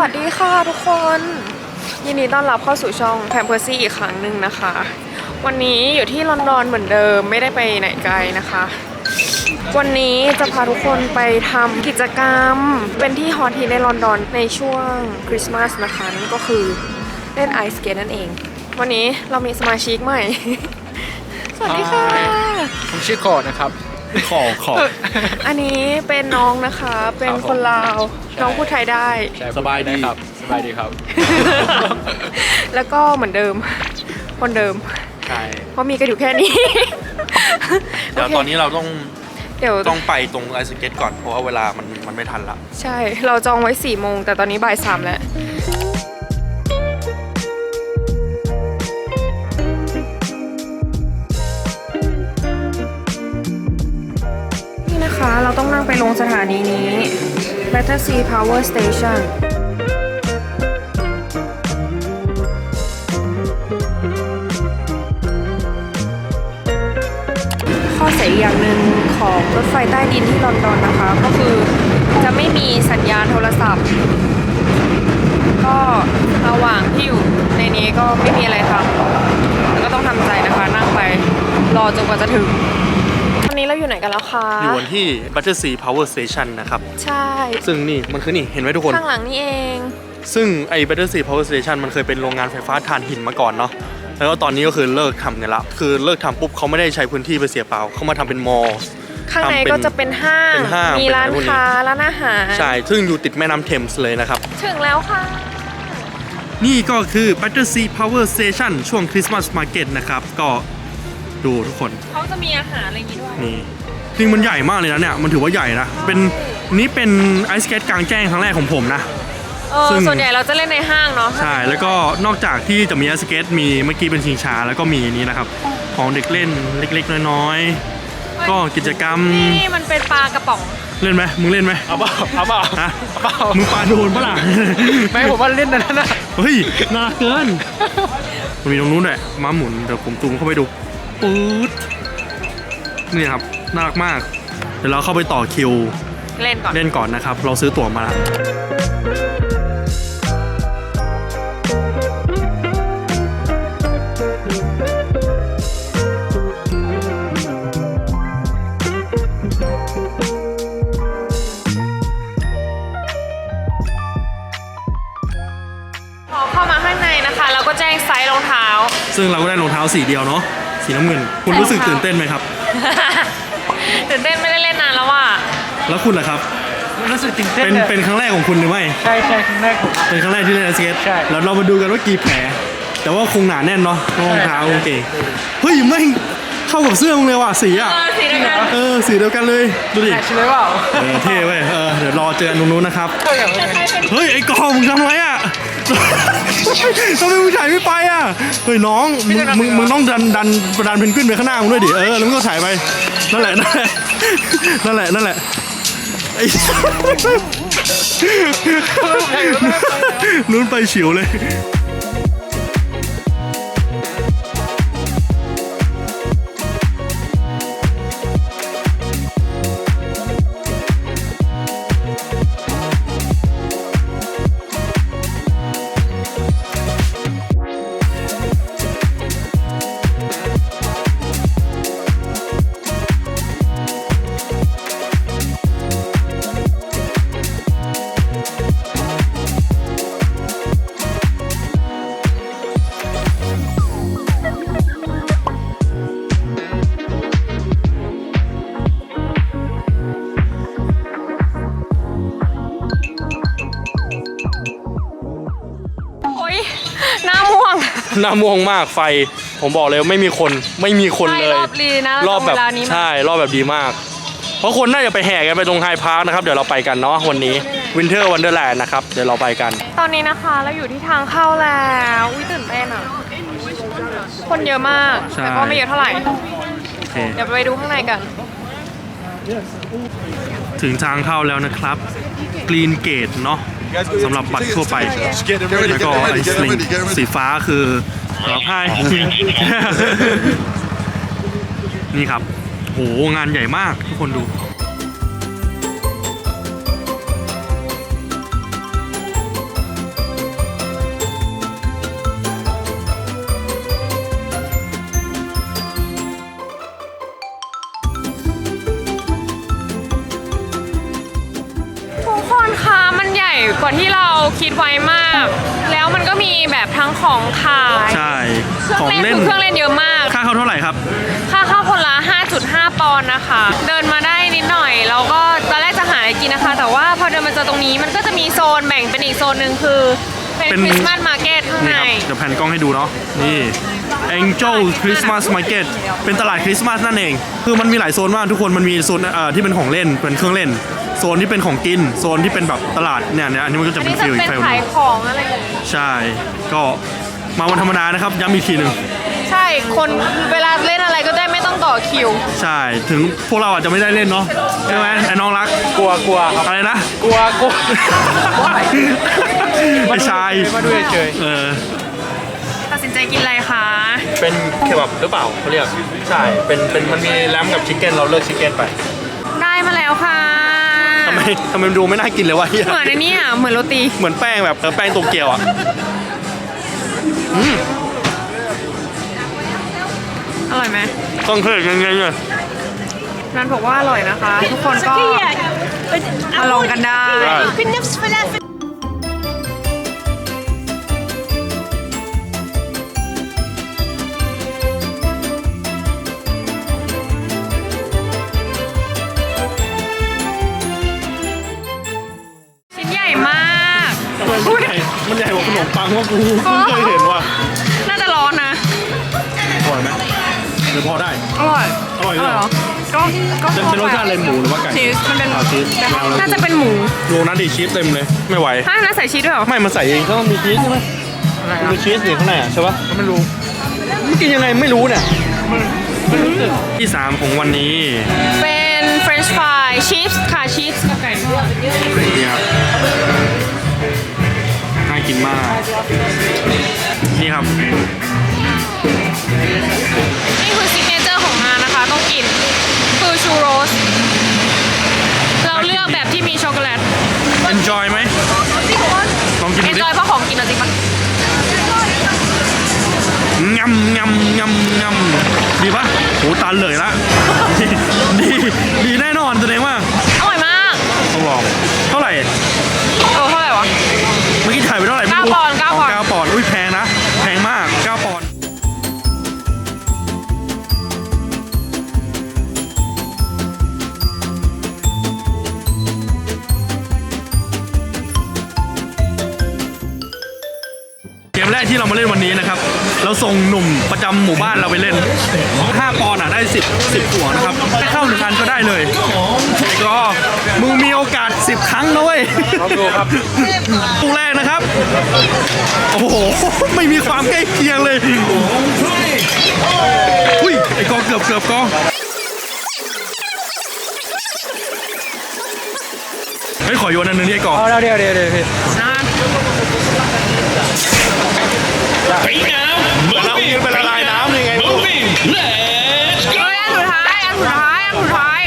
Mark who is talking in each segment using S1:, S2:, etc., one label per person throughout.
S1: วัสดีค่ะทุกคนยินดีต้อนรับเข้าสู่ช่องแพมเพอร์ซี่อีกครั้งหนึ่งนะคะ วันนี้อยู่ที่ลอนดอนเหมือนเดิมไม่ได้ไปไหนไกลนะคะ วันนี้จะพาทุกคนไปทำกิจกรรมเป็นที่ฮอตฮิตในลอนดอนในช่วงคริสต์มาสนะคะนั่นก็คือเล่นไอสเกตนั่นเอง วันนี้เรามีสมาชิกใหม่ สวัสดีค่ะ
S2: ผมชื่อคอนะครับขอ
S1: อันนี้เป็นน้องนะคะเป็นคนลาวน้องพูดไทยได้
S2: สบายดีครับสบายดีครับ
S1: แล้วก็เหมือนเดิมคนเดิม
S2: ใช่
S1: เพราะมีกันอยู่แค่นี้
S3: เดี๋ยวตอนนี้เราต้อง
S1: เดี๋ยว
S3: ไปตรงไอซ์สเก็ตก่อนเพราะว่าเวลามันไม่ทันละ
S1: ใช่เราจองไว้4 โมงแต่ตอนนี้บ่าย 3แล้วนี่นะคะเราต้องนั่งไปลงสถานีนี้ Battersea Power Station ข้อเสียอีกอย่างหนึ่งของรถไฟใต้ดินที่ลอนดอนนะคะก็คือจะไม่มีสัญญาณโทรศัพท์ ก็ระหว่างที่อยู่ในนี้ก็ไม่มีอะไรทำแล้วก็ต้องทำใจนะคะนั่งไปรอจนกว่าจะถึงวันนี้เราอยู่ไหนกันแล้วคะ
S3: อยู่วันที่ Battersea Power Station นะครับ
S1: ใช่
S3: ซึ่งนี่มันคือนี่เห็นไหมทุกคน
S1: ข้างหลังนี่เอง
S3: ซึ่งไอ้ Battersea Power Station มันเคยเป็นโรงงานไฟฟ้าถ่านหินมาก่อนเนาะแล้วก็ตอนนี้ก็คือเลิกทำกันละคือเลิกทำปุ๊บเขาไม่ได้ใช้พื้นที่ไปเสียเปล่าเขามาทำเป็นมอลล์
S1: ข้างใน
S3: ทำเป็น
S1: ก็จะเป็นห้าง
S3: เป็นห้าง
S1: มีร้าน
S3: เป็นอะไรพวกนี้
S1: ค้าร้านอาหาร
S3: ใช่ซึ่งอยู่ติดแม่น้ำเทมส์เลยนะครับ
S1: ถึงแล้วค่ะ
S3: นี่ก็คือ Battersea Power Station ช่วงคริสต์มาสมาร์เก็ตนะครับก็ดูทุกคน
S1: เขาจะมีอาหารอะไรอย่างงี้ด้วย
S3: นี่จริงมันใหญ่มากเลยนะเนี่ยมันถือว่าใหญ่นะเป็นนี่เป็นไอซ์สเก็ตกลางแจ้งครั้งแรกของผมนะ ซึ่ง
S1: ส่วนใหญ่เราจะเล่นในห้างเนาะ
S3: ใช่แล้วก็นอกจากที่จะมีไอซ์สเก็ตมีเมื่อกี้เป็นชิงช้าแล้วก็มีนี้นะครับของเด็กเล่นเล็กๆน้อยๆก็กิจกรรม
S1: นี่มันเป็นปลากระป๋อง
S3: เล่นไหมมึงเล่นไหม
S2: เอาเปล่า
S3: ฮะ
S2: เปล่า
S3: มึงปาโดนปะล่ะ
S2: ไม่ผมว่าเล่นนั่นนะ
S3: เฮ้ยน่ารักเกินมันมีตรงนู้นด้วยม้าหมุนเดี๋ยวผมซูมเข้าไปดูปื๊ดนี่ครับน่ารักมากเดี๋ยวเราเข้าไปต่อคิว
S1: เล่นก่อน
S3: เล่นก่อนนะครับเราซื้อตั๋วมาแล้ว
S1: พอเข้ามาข้างในนะคะเราก็แจ้งไซส์รองเท้า
S3: ซึ่งเราก็ได้รองเท้าสีเดียวเนาะสีน้ำเงินคุณรู้สึกตื่นเต้นไหมครับ
S1: ตื่นเต้นไม่ได้เล่นนานแล้วว่ะ
S3: แล้วคุณล่ะครับ
S2: รู้สึกตื่นเต้น
S3: เป็นครั้งแรกของคุณหรือไม่
S2: ใช่ครั้งแรกผม
S3: เป็นครั้งแรกที่เล่นไอสเก็ต
S2: ใช่
S3: แล้วเรามาดูกันว่ากี่แผล แต่ว่าคงหนาแน่นเนาะรองเท้าโอเคเฮ้ยไม่งเข้ากับเสื้อมึงเลยว่ะสีอ่ะ
S1: สีเดียวกัน
S3: สีเดียวกันเลยดูดิ
S2: แมทช์เลยเปล่า
S3: เท่เว้ยเดี๋ยวรอเจอกันตรงนู้นนะครับ เฮ้ยไอ้กองมึงทำไรอ่ะ ทำไมมึงถ่ายไม่ไปอ่ะเฮ้ยน้องมึงต้องดันเพนกวินไปข้างหน้ามึงด้วยดิแล้วมึงก็ถ่ายไปนั่นแหละนั่นแหละไอ้ นู้นไปฉิวเลย
S1: โอ๊ยหน้าม่วง
S3: หน้าม่วงมากไฟผมบอกเลยว่าไม่มีคนเลย
S1: รอบรีนะ
S3: รอบแบบ
S1: เวลานี้
S3: ใช่รอบแบบดีมาก เพราะคนน่าจะไปแห่กันไปตรงไฮพาร์คนะครับเดี๋ยวเราไปกันเนาะวันนี้วินเทอร์วันเดอร์แลนด์นะครับเดี๋ยวเราไปกัน
S1: ตอนนี้นะคะเราอยู่ที่ทางเข้าแล้วอุ้ยตื่นเต้นอ่ะ คนเยอะมาก
S3: ใช่
S1: แต่ก็ไม่เยอะเท่าไหร่
S3: โอเค
S1: เดี๋ยวไปดูข้างในกัน
S3: ถึงทางเข้าแล้วนะครับกรีนเกตเนาะสำหรับบัตรทั่วไปแล้วก็ไอสลิงสีฟ้าคือสำหรับให้ นี่ครับโหงานใหญ่มากทุกคนดู
S1: ว่าที่เราคิดไว้มาก แล้วมันก็มีแบบทั้งของขาย
S3: ใช่
S1: เครื่องเล่นคือเครื่องเล่นเยอะมาก
S3: ค่าเข้าเท่าไหร่ครับ
S1: ค่าเข้าคนละ 5.5 ปอนด์นะคะ เดินมาได้นิดหน่อยแล้วก็ตอนแรกจะหาอะไรกินนะคะ แต่ว่าพอเดินมาเจอตรงนี้มันก็จะมีโซนแบ่งเป็นอีกโซนหนึ่งคือเป็น
S3: เป็น
S1: คริสต์มาสมาร์เก็ตข้าง
S3: นี่
S1: ใน
S3: ครับเดี๋ยวแผ่นกล้องให้ดูเนาะนี่ Angel Christmas Market เป็นตลาดคริสต์มาสนั่นเอง คือมันมีหลายโซนมากทุกคนมันมีโซนที่เป็นของเล่นเป็นเครื่องเล่น โซนที่เป็นของกินโซนที่เป็นแบบตลาดเนี่ยอันนี้มันก็จะ
S1: อัน
S3: เป็น
S1: นี้จะ
S3: ฟิลอี
S1: เป็
S3: ก
S1: น
S3: ฟิล
S1: ขายของอะไรอย่างงี้
S3: ใช่ ก็มาวันธรรมดานะครับย้ำอีกทีหนึ่ง
S1: ใช่คนเวลาเล่นอะไรก็ได้ไม่ต้องต่อคิว
S3: ใช่ถึงพวกเราอาจจะไม่ได้เล่นเนาะใช่ไหมไอ้น้องรัก
S2: กลัวครับ
S3: อะไรนะ
S2: กลัว
S3: ไอ้ชาย
S2: มาดูเฉย
S1: ตัดสินใจกินอะไรคะ
S3: เป็นเคบับหรือเปล่าเขาเรียกใช่เป็นมันมีแรมกับชิคเก้นเราเลือกชิคเก้นไป
S1: ได้มาแล้วค่ะ
S3: ทำไมมันดูไม่น่ากินเลยวะเหี้ย
S1: เหมือนในนี้อ่ะเหมือนโรตี
S3: เหมือนแป้งแบบแป้งโตเกียวอ่ะ
S1: อร่อยไหม
S3: ต้องเคยยังไงเนี่ย
S1: นันบอกว่าอร่อยนะคะ ทุกคนก็มาลองกันได้ ชิ้นใหญ่มาก
S3: มันใหญ่กว่าขนมปังว่ากูเพิ่งเคยเห็นว่ะ
S1: น่าจะร้อนนะ
S3: อร่อยไหมหรือพอได้
S1: อร่อย
S3: อร่อยเหรอ
S1: ก็
S3: เป็นรสชาติอะไรหมูหรือว่าไก่
S1: ชีสมันเป็น
S3: ชีส
S1: น่าจะเป็นหมู
S3: ดูนะดิชีสเต็มเลยไม่ไหว
S1: ฮะน่าใส่ชีสด้วยเหรอ
S3: ไม่มันใส่เองก็ต้องมีชีสใช่ไหม
S2: อะไร
S3: มันมีชีสอยู่ข้างในอ่ะใช่ปะ
S2: ไม่รู้
S3: มันกินยังไงไม่รู้เนี่ยที่ 3 ของวันนี้
S1: เป็นเฟรนช์ฟรายชีสค่ะชีสกับไก่ด้วย
S3: นี่ครับน่ากินมาก นี่ครับ
S1: นี่คือซิกเนเจอร์ของงานนะคะ ต้องกิน คือชูโรส เราเลือกแบบที่มีช็อกโกแลต
S3: enjoy ไหมลองกิน
S1: เอ
S3: ดู
S1: น
S3: ดิ
S1: จอยเพราะของกินเอาจริงปะ
S3: งำงำงำงำดีปะโหตาเหลยละ ดีแน่นอนแสดงว่า
S1: อร่อยมาก
S3: ต้องลองเท่าไหร่
S1: เท่าไหร่วะ
S3: เมื่อกี้ถ่ายไปเท่าไหร่ไม่รู้
S1: 9 ปอนด์ 9 ปอนด์
S3: 9 ปอนด์อุ้ยแพงนะแพงมาก 9 ปอนด์เกมแรกที่เรามาเล่นวันนี้นะครับ เราส่งหนุ่มประจำหมู่บ้านเราไปเล่น 5 ปอนด์ได้10หัวนะครับถ้าเข้า1 อันก็ได้เลยแล้วก็มึงมีโอกาส10 ครั้งนะเว้ย
S2: ลองดูครับ
S3: ตู้แรกนะครับ โอ้โห ไม่มีความใกล้เคียงเลยอุ้ย ไอ้กอเกือบกอเฮ้ย ขอโยนอันนึงนี่ไอ้กอ
S2: เอาเดี๋ยวพี่
S1: นะ
S3: แล้วเป็นละลายน้ำยังไง
S1: เฮ้ยอันสุดท้าย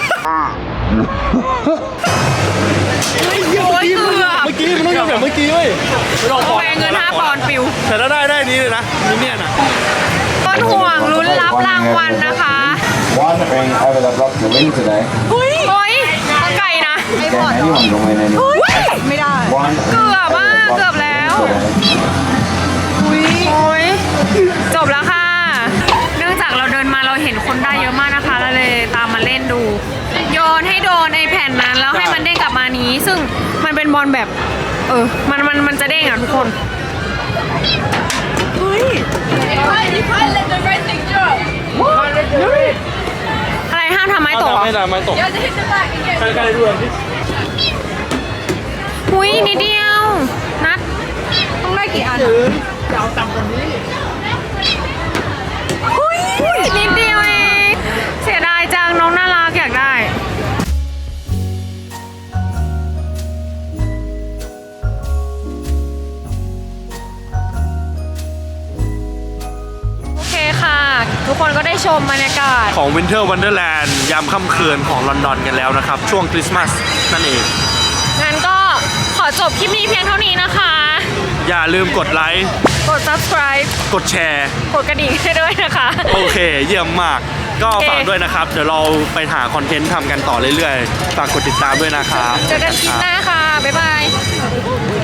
S1: โอ้ยเกือบ
S3: เมื่อกี้มันต้องทำแบบเมื่อกี้เว้ย
S1: แพงเงิน 5 ปอนด์ปิว
S3: แต่ถ้าได้นี้เลยนะมิเนี่ยนะ
S1: ต้นห่วงลุ้นรับรางวัลนะคะ
S4: Wondering over the block to win today.
S1: เฮ้ยไก่นะ
S4: Can anyone join in?
S1: ไม่ได้
S4: One
S1: เกือบอ่ะเกือบแล้ว โอ้ยจบแล้วค่ะ เนื่องจากเราเดินมาเราเห็นคนได้เยอะมากนะคะเราเลยตามมาเล่นดู โยนให้โดนไอ้แผ่นนั้นแล้วให้มันเด้งกลับมานี้ ซึ่งมันเป็นบอลแบบมันจะเด้งอ่ะทุกคนอะไรห้ามทำไม้ตกเหรอ
S3: ไม่ได้ไม่ตกใครดูอันที่
S1: อุ้ยนิดเดียว นัดต้องได้กี่อันอะอุ้ยนิดเดียวเองเสียดายจังน้องน่ารักอยากได้ โอเคค่ะ ทุกคนก็ได้ชมบรรยากาศ
S3: ของ Winter Wonderland ยามค่ำคืนของลอนดอนกันแล้วนะครับ ช่วงคริสต์มาสนั่นเอง
S1: งั้นก็ขอจบคลิปนี้เพียงเท่านี้นะคะ
S3: อย่าลืมกดไลค์
S1: กด subscribe
S3: กดแชร์
S1: กดกระดิ่งให้ด้วยนะคะ
S3: โอเค เยี่ยมมากก็
S1: โอเค
S3: ฝากด้วยนะครับ เดี๋ยวเราไปหาคอนเทนต์ทำกันต่อเรื่อยๆ ฝากกดติดตามด้วยนะครับ
S1: เจอกันคลิปหน้าค่ะ บ๊ายบาย